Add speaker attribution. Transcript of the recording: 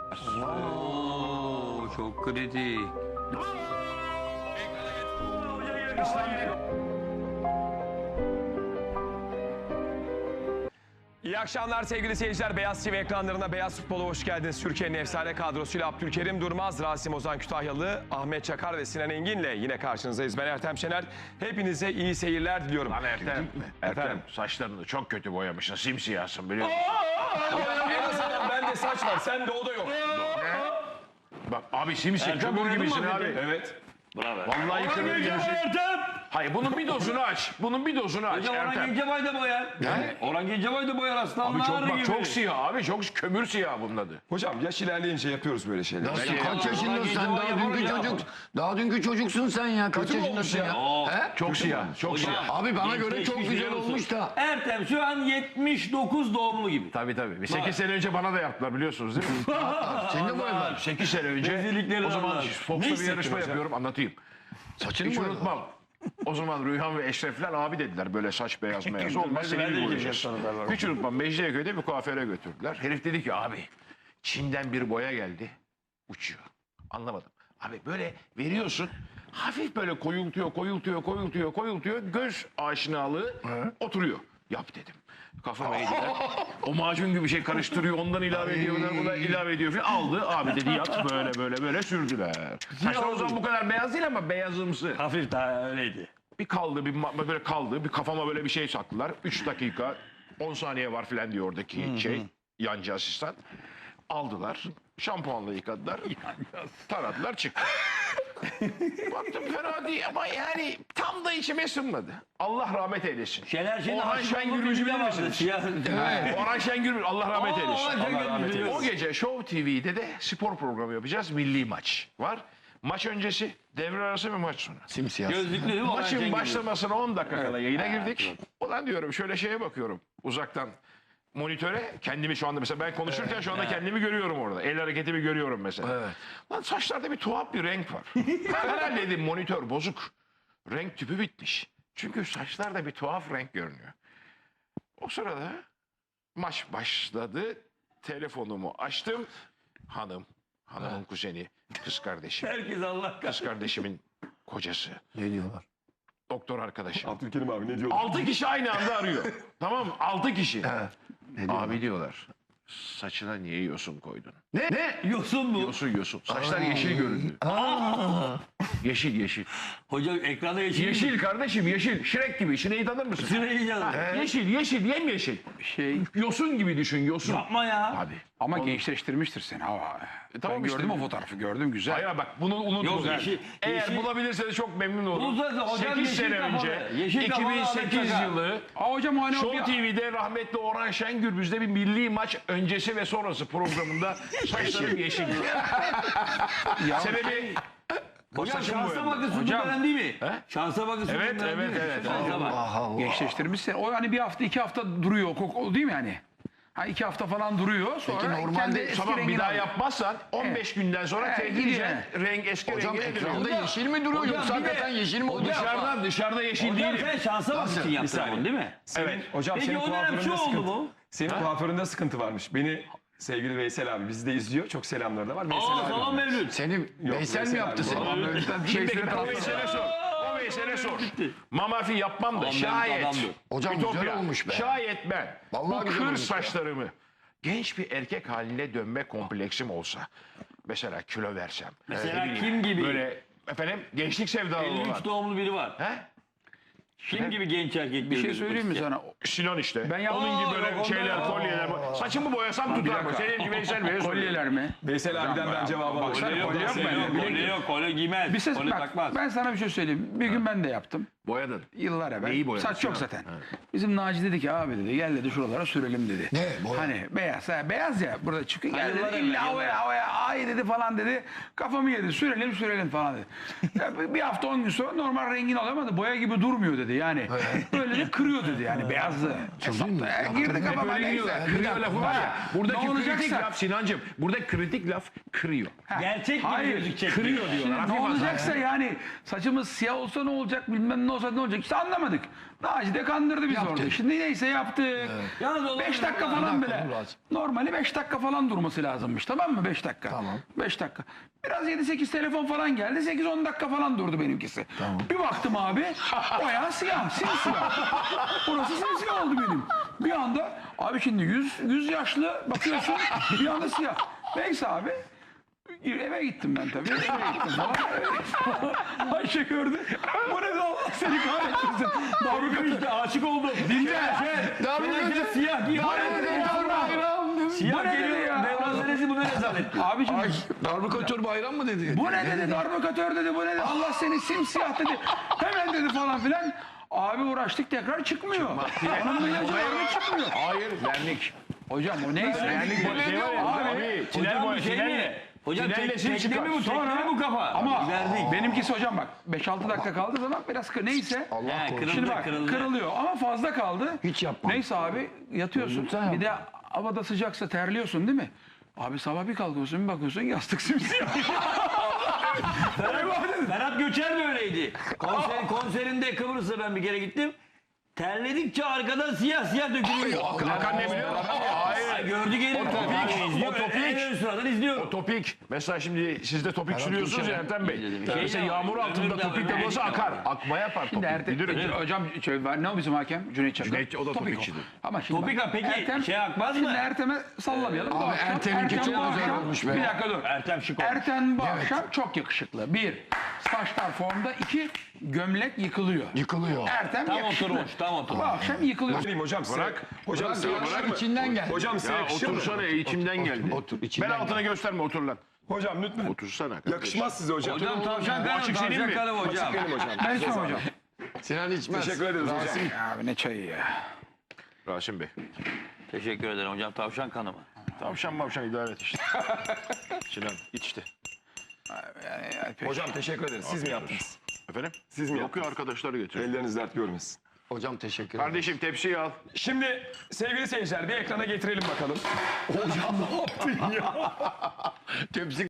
Speaker 1: Oo, çok kritik.
Speaker 2: İyi akşamlar sevgili seyirciler. Beyaz TV ekranlarına Beyaz Futbol'a hoş geldiniz. Türkiye'nin efsane kadrosuyla Abdülkerim Durmaz, Rasim Ozan Kütahyalı, Ahmet Çakar ve Sinan Engin'le yine karşınızdayız. Ben Ertem Şener. Hepinize iyi seyirler diliyorum.
Speaker 3: Lan Ertem, saçlarını çok kötü boyamışsın. Simsiyahsın biliyor musun?
Speaker 2: En azından bende saç var, sende o da yok.
Speaker 3: Bak abi simsiyah, kömür gibisin abi.
Speaker 2: Evet.
Speaker 3: Vallahi kömür gibisin. Hayır bunun bir dozunu aç. Bunun bir dozunu aç
Speaker 1: Orhan
Speaker 3: Ertem.
Speaker 1: Gencebay da boyar. Orhan Gencebay da boyar
Speaker 3: Abi
Speaker 1: aslanlar gibi.
Speaker 3: çok siyah abi. Çok kömür siyah bunun adı.
Speaker 2: Hocam yaş ilerleyince yapıyoruz böyle şeyler.
Speaker 4: Nasıl kaç yaşındasın sen? Daha dünkü çocuksun sen ya. Kaç
Speaker 2: Kötü mü olmuş
Speaker 4: yaşındasın ya?
Speaker 2: ya?
Speaker 4: He?
Speaker 3: Çok siyah. Çok
Speaker 1: Hocam.
Speaker 3: siyah.
Speaker 4: Abi bana göre çok
Speaker 1: Gençleşmiş
Speaker 4: güzel
Speaker 1: biliyor musun?
Speaker 4: olmuş da.
Speaker 1: Ertem şu an 79 doğumlu gibi.
Speaker 3: Tabii. 8 sene önce bana da yaptılar biliyorsunuz değil mi?
Speaker 4: Seni de boyadılar.
Speaker 3: 8 sene önce.
Speaker 1: Rezillikleri
Speaker 3: O zaman
Speaker 1: var.
Speaker 3: Fox'ta bir yarışma
Speaker 2: hocam?
Speaker 3: yapıyorum anlatayım.
Speaker 4: Saçını
Speaker 3: Hiç
Speaker 4: boyadılar.
Speaker 3: unutmam. O zaman Rüyhan ve Eşrefler abi dediler böyle saç beyaz beyaz olmaz seni bir boyayacağız. Hiç unutmam Mecidiyeköy'de bir kuaföre götürdüler. Herif dedi ki abi Çin'den bir boya geldi uçuyor. Anlamadım. Abi böyle veriyorsun hafif böyle koyultuyor göz aşinalığı oturuyor. Yap dedim. Kafama eğdiler. O macun gibi bir şey karıştırıyor. Ondan ilave ediyorlar. Bundan ilave ediyor falan. Aldı. Abi dedi yat böyle sürdüler. Saçlar o zaman bu kadar beyaz değil ama beyazımsı.
Speaker 1: Hafif daha öyleydi.
Speaker 3: Bir kaldı, böyle kaldı. Bir kafama böyle bir şey saklılar. 3 dakika, 10 saniye var filan diyor oradaki yancı asistan. Aldılar. Şampuanla yıkadılar. Taradılar çıktı. Baktım fena değil ama yani tam da içime ısınmadı. Allah rahmet eylesin.
Speaker 1: Şener Şen'in
Speaker 3: Orhan Şengül'ü bilir misiniz? Orhan Şengül Allah rahmet eylesin. O gece Show TV'de de spor programı yapacağız. Milli maç var. Maç öncesi, devre arası ve maç sonu.
Speaker 4: Simsiyah.
Speaker 1: Gözlüklü değil mi Orhan
Speaker 3: Maçın
Speaker 1: Şengül?
Speaker 3: başlamasına 10 dakika kala yayına girdik. Ulan diyorum şöyle şeye bakıyorum uzaktan monitöre kendimi şu anda mesela ben konuşurken şu anda kendimi görüyorum orada. El hareketimi görüyorum mesela. Lan saçlarda bir tuhaf bir renk var. Herhalde dedim monitör bozuk. Renk tüpü bitmiş. Çünkü saçlarda bir tuhaf renk görünüyor. O sırada maç başladı. Telefonumu açtım. Hanımın kuzeni, kız kardeşim.
Speaker 1: Herkes Allah
Speaker 3: Kız kardeşimin kocası.
Speaker 4: Ne diyorlar?
Speaker 3: Doktor arkadaşım.
Speaker 2: Abdülkerim abi ne diyor?
Speaker 3: 6 kişi aynı anda arıyor. Tamam mı? 6 kişi.
Speaker 4: Ne diyorlar?
Speaker 3: Abi diyorlar. Saçına niye yosun koydun?
Speaker 4: Ne?
Speaker 1: Yosun mu?
Speaker 3: Yosun. Saçlar yeşil göründü. Yeşil.
Speaker 1: Hocam ekranda yeşil.
Speaker 3: Yeşil kardeşim yeşil. Şirek gibi. Şineyi tanır mısın?
Speaker 1: Sırayı canım.
Speaker 3: Yeşil, yemyeşil. Yosun gibi düşün, yosun.
Speaker 1: Yapma ya.
Speaker 3: Abi.
Speaker 5: Ama gençleştirmiştir seni.
Speaker 3: Tamam
Speaker 5: Ben
Speaker 3: işte.
Speaker 5: gördüm o fotoğrafı gördüm güzel.
Speaker 3: Hayır bak bunu unutma.
Speaker 1: Yok, yeşil-
Speaker 3: Eğer
Speaker 1: yeşil-
Speaker 3: bulabilirseniz çok memnun olurum.
Speaker 1: Bu zaten hocam
Speaker 3: 8
Speaker 1: yeşil
Speaker 3: sene
Speaker 1: kafalı.
Speaker 3: önce
Speaker 1: Yeşil kafalı
Speaker 3: 2008
Speaker 1: Ahmet Çakar.
Speaker 3: yılı
Speaker 5: Aa hocam hani o
Speaker 3: Show
Speaker 5: bir...
Speaker 3: TV'de rahmetli Orhan Şengürbüz'de bir milli maç öncesi ve sonrası programında saçlarım yeşil. Sebebi
Speaker 1: Hocam
Speaker 3: saçım
Speaker 1: şansa
Speaker 3: boyadı.
Speaker 1: bakın
Speaker 5: Hocam.
Speaker 1: Superman değil mi?
Speaker 3: He?
Speaker 1: Şansa bakın
Speaker 3: Evet,
Speaker 1: Superman değil mi?
Speaker 3: evet.
Speaker 1: Şansa bak.
Speaker 4: Allah.
Speaker 5: Gençleştirmişsin. O hani bir hafta 2 hafta duruyor. O değil mi hani? Ha 2 hafta falan duruyor. Sonra
Speaker 4: Peki normalde
Speaker 5: kendi eski
Speaker 3: Tamam bir
Speaker 5: rengini
Speaker 3: daha
Speaker 5: alıyor.
Speaker 3: yapmazsan 15 günden sonra
Speaker 5: Evet,
Speaker 3: tedricen
Speaker 5: gidiyor.
Speaker 3: renk eski
Speaker 4: Hocam
Speaker 3: rengine dönüyor.
Speaker 4: ekranda yeşil mi duruyor
Speaker 1: Hocam
Speaker 4: yoksa
Speaker 1: bir de-
Speaker 4: hakikaten yeşil mi oldu?
Speaker 3: Dışarıda yeşil
Speaker 1: Hocam
Speaker 3: değilim.
Speaker 1: sen şansa bak için yaptın
Speaker 2: saniye.
Speaker 1: onu değil mi?
Speaker 3: Evet.
Speaker 2: Hocam
Speaker 1: Peki
Speaker 2: senin
Speaker 1: o dönem şu
Speaker 2: kuaföründe
Speaker 1: oldu
Speaker 2: sıkıntı.
Speaker 1: mu?
Speaker 2: Senin kuaföründe sıkıntı varmış. Beni sevgili Veysel abi bizi de izliyor. Çok selamları da var. Veysel
Speaker 1: Aa
Speaker 2: abi.
Speaker 1: salon mevlüt.
Speaker 4: Seni Veysel mi yaptı seni?
Speaker 5: Bir şey
Speaker 3: Peki
Speaker 5: söyle.
Speaker 3: o Veysel'e sor. O Veysel'e sor. Mamafi yapmam da
Speaker 1: Tamam,
Speaker 3: şayet.
Speaker 1: adamdır.
Speaker 4: Hocam güzel
Speaker 3: Ütopya,
Speaker 4: olmuş be.
Speaker 3: Şayet ben
Speaker 4: Vallahi
Speaker 3: bu
Speaker 4: güzel
Speaker 3: kır
Speaker 4: olmuş ya.
Speaker 3: saçlarımı genç bir erkek haline dönme kompleksim olsa. Mesela kilo versem.
Speaker 1: Mesela
Speaker 3: ne bileyim,
Speaker 1: kim gibi?
Speaker 3: Böyle efendim gençlik sevdalı olan.
Speaker 1: 53 doğumlu biri var.
Speaker 3: He?
Speaker 1: Kim gibi genç erkek?
Speaker 5: Bir şey söyleyeyim mi sana?
Speaker 3: Sinan işte.
Speaker 5: Ben
Speaker 3: Onun gibi
Speaker 1: Aa,
Speaker 3: böyle
Speaker 1: yok,
Speaker 3: şeyler,
Speaker 1: ondan-
Speaker 3: kolyeler. Saçımı boyasam tutar mı?
Speaker 5: dakika.
Speaker 3: Senin gibi Veysel Bey'e soruyorum.
Speaker 5: Kolyeler mi?
Speaker 2: Veysel abiden ben cevabı alacağım.
Speaker 5: Kolye yok,
Speaker 1: Kolye yok, kolye yok, kolye giymez.
Speaker 5: Bir ses
Speaker 1: kolye
Speaker 5: bak
Speaker 1: takmaz.
Speaker 5: ben sana bir şey söyleyeyim. Bir gün ben de yaptım.
Speaker 3: Boyadın.
Speaker 5: Yıllar evvel.
Speaker 3: Neyi boyadın?
Speaker 5: Saç yok
Speaker 3: Sinan?
Speaker 5: zaten. Bizim Naci dedi ki abi dedi gel dedi şuralara sürelim dedi.
Speaker 4: Ne, boya?
Speaker 5: Hani beyaz ha, beyaz ya burada çıkıyor gel
Speaker 1: Yıllar
Speaker 5: dedi
Speaker 1: evvel,
Speaker 5: illa
Speaker 1: yıllar.
Speaker 5: havaya ay dedi falan dedi. Kafamı yedi sürelim falan dedi. Ya bir hafta 10 gün sonra normal rengini alamadı boya gibi durmuyor dedi yani. Böyle de kırıyor dedi yani beyazdı.
Speaker 4: Çıldın
Speaker 5: Ya, girdi kafama
Speaker 3: Böyle
Speaker 5: neyse.
Speaker 3: gidiyorlar. Kırıyor lafı var ya. Buradaki
Speaker 5: Ne
Speaker 3: kritik
Speaker 5: olacaksa-
Speaker 3: laf Sinancığım. Burada kritik laf kırıyor.
Speaker 1: Gerçek gibi
Speaker 5: Hayır,
Speaker 1: gözükecek.
Speaker 3: Kırıyor diyorlar.
Speaker 5: Ne
Speaker 3: Hafif
Speaker 5: olacaksa yani saçımız siyah olsa ne olacak bilmem ne olsa ne olacak? İşte anlamadık. Naci de kandırdı bizi orada. Şimdi neyse yaptık.
Speaker 1: Yalnız olur
Speaker 5: 5
Speaker 1: mu?
Speaker 5: dakika
Speaker 1: Bir
Speaker 5: falan
Speaker 4: dakika,
Speaker 5: bile.
Speaker 4: dur az.
Speaker 5: Normali 5 dakika falan durması lazımmış. Tamam mı? 5 dakika.
Speaker 4: Tamam.
Speaker 5: 5 dakika. Biraz 7-8 telefon falan geldi. 8-10 dakika falan durdu benimkisi.
Speaker 4: Tamam.
Speaker 5: Bir baktım abi. Bayağı siyah. Simsiyah. Burası simsiyah oldu benim. Bir anda abi şimdi 100 yaşlı bakıyorsun. Bir anda siyah. Neyse abi. Eve gittim ben tabii. Eve gittim falan. Ayşe gördü. Bu ne de Allah seni kahretsin. Davruka işte aşık oldum. Dinle.
Speaker 4: Davruka
Speaker 1: Siyah giyiyor. Siyah
Speaker 5: Bu ne dedi
Speaker 1: geliyor.
Speaker 5: ya?
Speaker 1: Mevlana Senesi bu ne rezalet?
Speaker 5: Abicim
Speaker 4: Darbukatör bayram mı dedi?
Speaker 5: bu ne dedi? Darbukatör dedi. Bu ne dedi? Allah seni simsiyah dedi. Hemen dedi falan filan. Abi uğraştık tekrar çıkmıyor. Onun ilacı var mı çıkmıyor.
Speaker 3: Hayır, vernik.
Speaker 5: Hocam o neyse.
Speaker 3: Vernik boya şey var ya. Abi, tünel
Speaker 1: Hocam
Speaker 3: boya,
Speaker 1: bu şey mi? Hocam
Speaker 3: Tünelle sil
Speaker 1: tekne
Speaker 3: çıkar.
Speaker 1: mi bu? Tekne mi bu kafa?
Speaker 5: Ama
Speaker 1: Verdik.
Speaker 5: benimkisi hocam bak 5-6 dakika kaldığı zaman biraz neyse.
Speaker 1: He,
Speaker 5: Şimdi
Speaker 1: kırıldı
Speaker 5: bak
Speaker 1: kırıldı.
Speaker 5: kırılıyor ama fazla kaldı.
Speaker 4: Hiç yapma.
Speaker 5: Neyse abi yatıyorsun.
Speaker 4: Lütfen
Speaker 5: Bir de havada sıcaksa terliyorsun değil mi? Abi sabah bir kalkıyorsun bir bakıyorsun yastık simsiyah.
Speaker 1: Ferhat Göçer de öyleydi. Konserinde Kıbrıs'a ben bir kere gittim. Terledikçe arkadan siyah siyah dökülüyor.
Speaker 3: Hakan ne biliyor musun? Hayır.
Speaker 1: Ay, gördü gelin.
Speaker 3: O topik.
Speaker 1: En ön sıradan izliyor.
Speaker 3: Topik. Mesela şimdi siz de topik sürüyorsunuz ya Ertem Bey. Mesela
Speaker 1: Şey
Speaker 3: yağmur
Speaker 1: ya,
Speaker 3: altında
Speaker 1: ömür
Speaker 3: topik
Speaker 1: de var,
Speaker 3: deposu
Speaker 1: ömür de
Speaker 3: akar.
Speaker 1: var.
Speaker 3: Akma yapar topik.
Speaker 5: Şimdi
Speaker 3: Bilirim.
Speaker 5: hocam ne o bizim hakem? Cüneyt Çakır.
Speaker 3: Cüneyt, o da
Speaker 5: Topik
Speaker 3: topikçidir.
Speaker 5: Ama şimdi
Speaker 1: Topik
Speaker 5: bak,
Speaker 1: ha, peki şey akmaz mı?
Speaker 5: Şimdi Ertem'e sallamayalım. Bu
Speaker 4: Abi
Speaker 5: akşam-
Speaker 4: Ertem'inki
Speaker 5: Ertem
Speaker 4: çok
Speaker 5: bu
Speaker 4: güzel
Speaker 5: akşam-
Speaker 4: olmuş be.
Speaker 5: Bir dakika dur.
Speaker 1: Ertem şık oldu.
Speaker 5: Ertem bu akşam çok yakışıklı. Bir, saçlar formda. İki, gömlek yıkılıyor.
Speaker 4: Yıkılıyor.
Speaker 5: Ertem
Speaker 1: Tam
Speaker 5: yakışıklı.
Speaker 1: oturmuş, tam oturmuş.
Speaker 5: Bu akşam yıkılıyor.
Speaker 2: Söyleyeyim hocam size. Hocam size yakışır mı?
Speaker 4: İçinden gel.
Speaker 2: Hocam size
Speaker 3: Ya
Speaker 2: yakışır mı?
Speaker 3: otursana içimden geldi.
Speaker 4: Otur,
Speaker 3: Ben
Speaker 4: içinden
Speaker 3: altına gösterme otur lan.
Speaker 2: Hocam lütfen.
Speaker 3: Otursana. kardeşim.
Speaker 2: Yakışmaz size hocam.
Speaker 1: Hocam tavşan kanı,
Speaker 3: açık senin
Speaker 1: tavşan
Speaker 3: mi?
Speaker 1: kanı hocam.
Speaker 2: Benim hocam.
Speaker 5: Ben içmem hocam.
Speaker 4: Sinan içmez.
Speaker 2: Teşekkür ederiz hocam.
Speaker 4: Rasim.
Speaker 5: Abi ne çayı ya.
Speaker 3: Rasim Bey.
Speaker 1: Teşekkür ederim hocam. Tavşan kanı mı?
Speaker 3: Tavşan mavşan idare et işte. Sinan iç işte.
Speaker 2: Hocam teşekkür ederiz. Siz mi yaptınız?
Speaker 3: Efendim?
Speaker 2: Siz mi
Speaker 3: Yok ya arkadaşları getiriyor.
Speaker 2: Elleriniz dert görmesin.
Speaker 4: Hocam teşekkür ederim.
Speaker 3: Kardeşim tepsiyi al.
Speaker 2: Şimdi sevgili seyirciler bir ekrana getirelim bakalım. Hocam ne yaptın ya?
Speaker 4: Tepsi